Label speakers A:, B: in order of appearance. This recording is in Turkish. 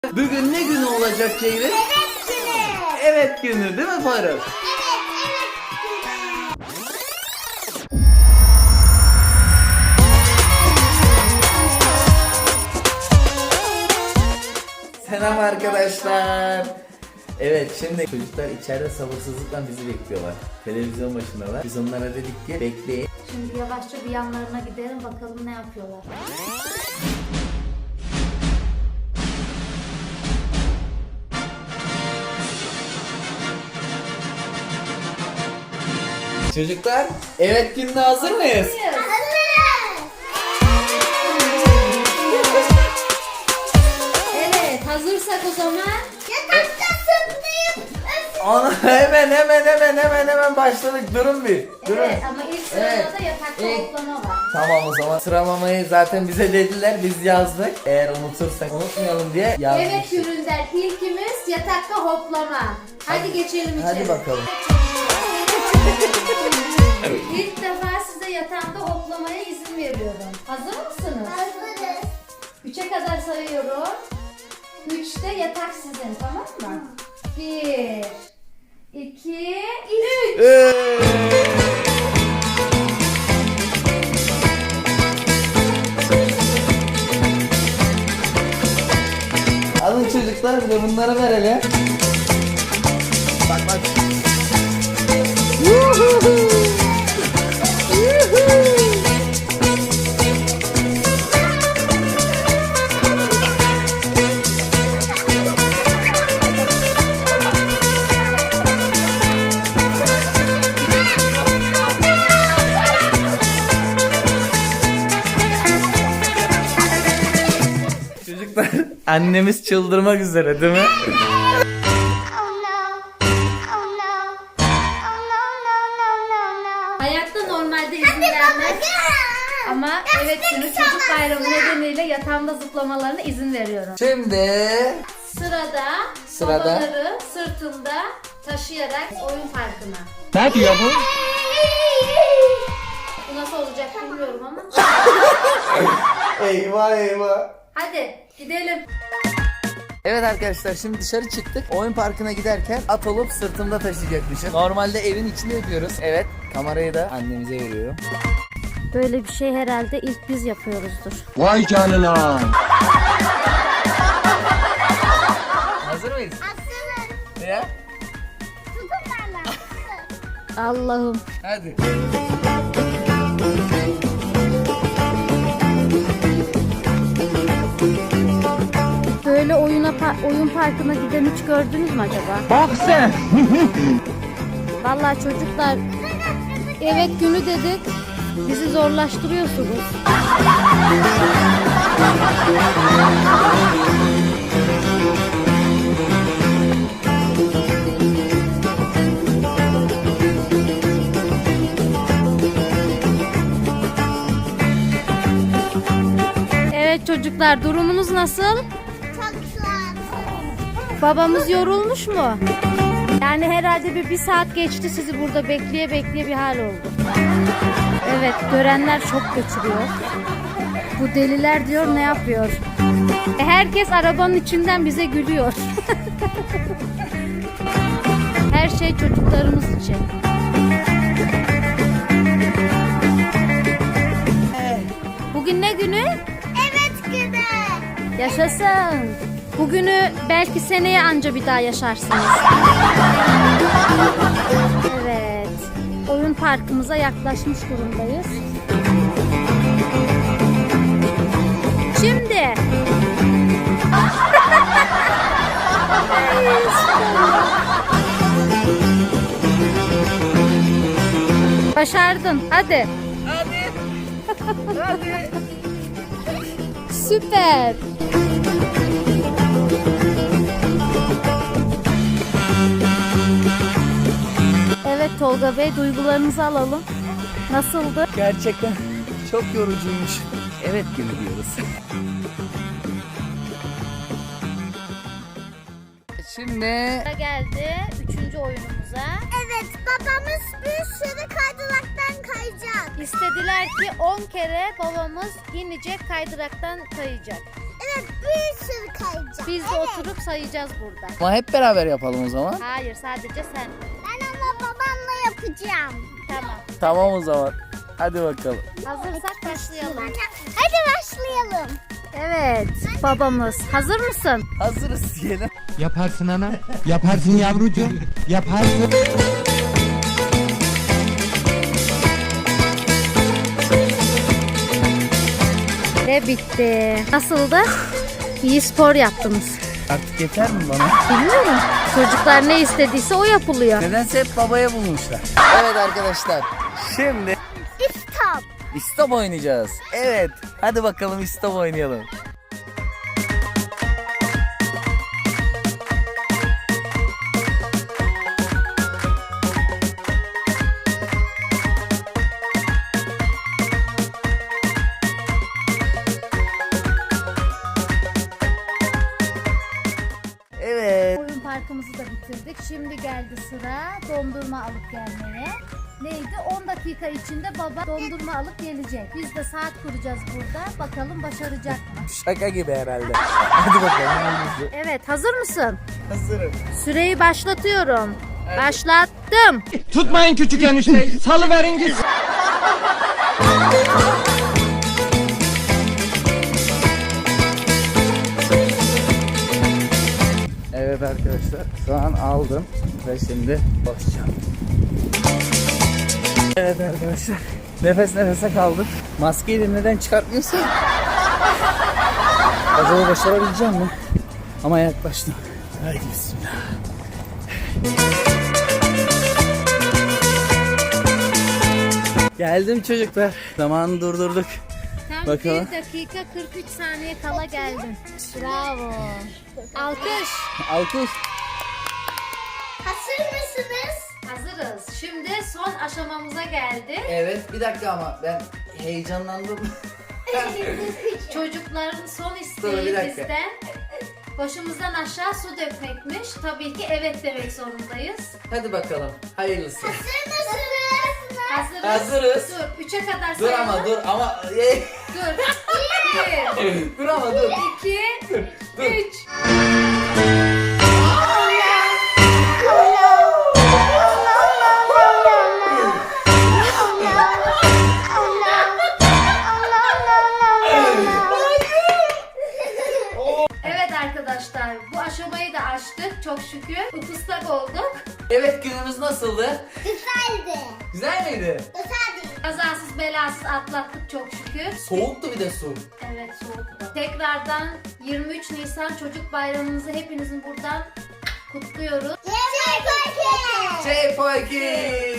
A: Bugün ne günü olacak Ceylin?
B: Evet günü.
A: Evet günü değil mi Faruk?
B: Evet.
A: Selam arkadaşlar. Evet şimdi çocuklar içeride sabırsızlıkla bizi bekliyorlar. Televizyon başındalar. Biz onlara dedik ki bekleyin.
C: Şimdi yavaşça bir yanlarına gidelim bakalım ne yapıyorlar.
A: Çocuklar evet gününe hazır mıyız?
C: Evet, hazırsak o zaman
B: Yatakta zıplayıp
A: Ana hemen başladık. Durun bir. Durun.
C: evet ama ilk sırada
A: Evet.
C: da yatakta
A: İlk-
C: hoplama var.
A: Tamam o zaman sıralamayı zaten bize dediler, biz yazdık. Eğer unutursak unutmayalım diye
C: Evet
A: yazmıştık.
C: üründen ilkimiz yatakta hoplama. Hadi geçelim içeri.
A: Hadi bakalım.
C: İlk defa size yatağımda hoplamaya izin veriyorum. Hazır mısınız?
B: hazırız.
C: 3'e kadar sayıyorum. 3'te yatak sizin, tamam mı? 1 2 3
A: Alın çocuklar, bir de bunları verelim. Bak. Çocuklar, annemiz çıldırmak üzere değil mi?
B: Oh no. Oh no. Oh no.
C: Hayatta normalde izin vermez. Ama evet günü çocuk bayramı nedeniyle yatağımda zıplamalarına izin veriyorum.
A: Şimdi
C: Sırada babaları sırtımda taşıyarak oyun parkına.
A: ne diyor bu?
C: Bu nasıl olacak bilmiyorum ama.
A: Eyvah.
C: Hadi gidelim.
A: Evet arkadaşlar, şimdi dışarı çıktık. Oyun parkına giderken at olup sırtımda taşıyacakmışım. Normalde evin içinde yapıyoruz. Evet, kamerayı da annemize veriyorum.
C: Böyle bir şey herhalde ilk biz yapıyoruzdur.
D: Vay canına.
A: Hazır mıyız?
B: Hazırız.
A: Ya?
B: Tutun bana.
C: Allah'ım.
A: Hadi.
C: Böyle oyun parkına giden hiç gördünüz mü acaba?
D: Bak sen.
C: Vallahi çocuklar evet günü dedik. Bizi zorlaştırıyorsunuz. Evet çocuklar, durumunuz nasıl?
B: Çok soğuk.
C: Babamız yorulmuş mu? Yani herhalde bir saat geçti, sizi burada bekleye bir hal oldu. Evet, görenler çok geçiriyor. Bu deliler diyor ne yapıyor? Herkes arabanın içinden bize gülüyor. Her şey çocuklarımız için. Bugün ne günü?
B: Evet günü.
C: Yaşasın. Bugünü belki seneye anca bir daha yaşarsınız. Evet. Oyun parkımıza yaklaşmış durumdayız. Şimdi. Başardın. Hadi. Hadi. Süper. Evet Tolga Bey, duygularınızı alalım. Nasıldı?
A: Gerçekten çok yorucuymuş. Evet günü diyoruz. Şimdi
C: Geldi 3. oyunumuza.
B: Evet babamız bir sürü kaydıraktan kayacak.
C: İstediler ki 10 kere babamız inecek, kaydıraktan kayacak.
B: Evet bir sürü kayacağım.
C: Biz de oturup sayacağız burada.
A: Ama hep beraber yapalım o zaman.
C: Hayır, sadece sen.
B: Ben ama babamla yapacağım.
C: Tamam.
A: Tamam o zaman. Hadi bakalım.
C: Hazırsak başlayalım.
B: Hadi başlayalım.
C: Evet, babamız. Hazır mısın?
A: Hazırız diyelim.
E: Yaparsın ana. Yaparsın yavrucuğum. Yaparsın.
C: Ve bitti. Nasıldı? İyi spor yaptınız.
A: Artık yeter mi bana?
C: Bilmiyorum. Çocuklar ne istediyse o yapılıyor.
A: Nedense hep babaya bulmuşlar. Evet arkadaşlar. Şimdi
B: Stop.
A: istop oynayacağız. Evet. Hadi bakalım istop oynayalım. Evet.
C: Oyun parkımızı da bitirdik. Şimdi geldi sıra dondurma alıp gelmeye. Neydi? 10 dakika içinde baba dondurma alıp gelecek. Biz de saat kuracağız burada. Bakalım başaracak mı?
A: Şaka gibi herhalde. Hadi bakalım. hangisi?
C: Evet, hazır mısın?
A: Hazırım.
C: Süreyi başlatıyorum. Başlattım.
E: Tutmayın küçük enişteyi. Salıverin gitsin.
A: Evet arkadaşlar. Şu an aldım. Ve şimdi basacağım. Evet arkadaşlar. Nefes nefese kaldık. Maskeyi de neden çıkartmıyorsun? Acaba başarabileceğim mi? Ama yaklaştım. Haydi bismillah. Geldim çocuklar. Zamanı durdurduk.
C: Tam
A: Bakalım.
C: 1 dakika 43 saniye kala geldin. Bravo. Alkış.
A: Alkış.
B: Hazır mısınız?
C: Hazırız. Şimdi son aşamamıza geldi.
A: Evet bir dakika ama ben heyecanlandım.
C: Çocukların son
A: Dur, bir
C: isteği
A: dakika.
C: bizden başımızdan aşağı su dökmekmiş. Tabii ki evet demek zorundayız.
A: Hadi bakalım. Hayırlısı.
B: Hazır mısınız?
C: Hazırız.
A: Hazırız.
C: Dur 3'e kadar
A: Dur
C: sayalım.
A: ama dur ama.
C: Dur. 1,
A: Dur ama dur.
C: 2, 3. Evet arkadaşlar bu aşamayı da aştık çok şükür. Ifıstak olduk.
A: Evet günümüz nasıldı?
B: Güzeldi.
A: Güzel miydi?
B: Güzeldi.
C: Kazasız belasız atlattık çok şükür.
A: Soğuktu bir de su.
C: Evet soğuktu. Tekrardan 23 Nisan Çocuk Bayramınızı hepinizin buradan kutluyoruz.
B: Yemek.
A: Şey Poki.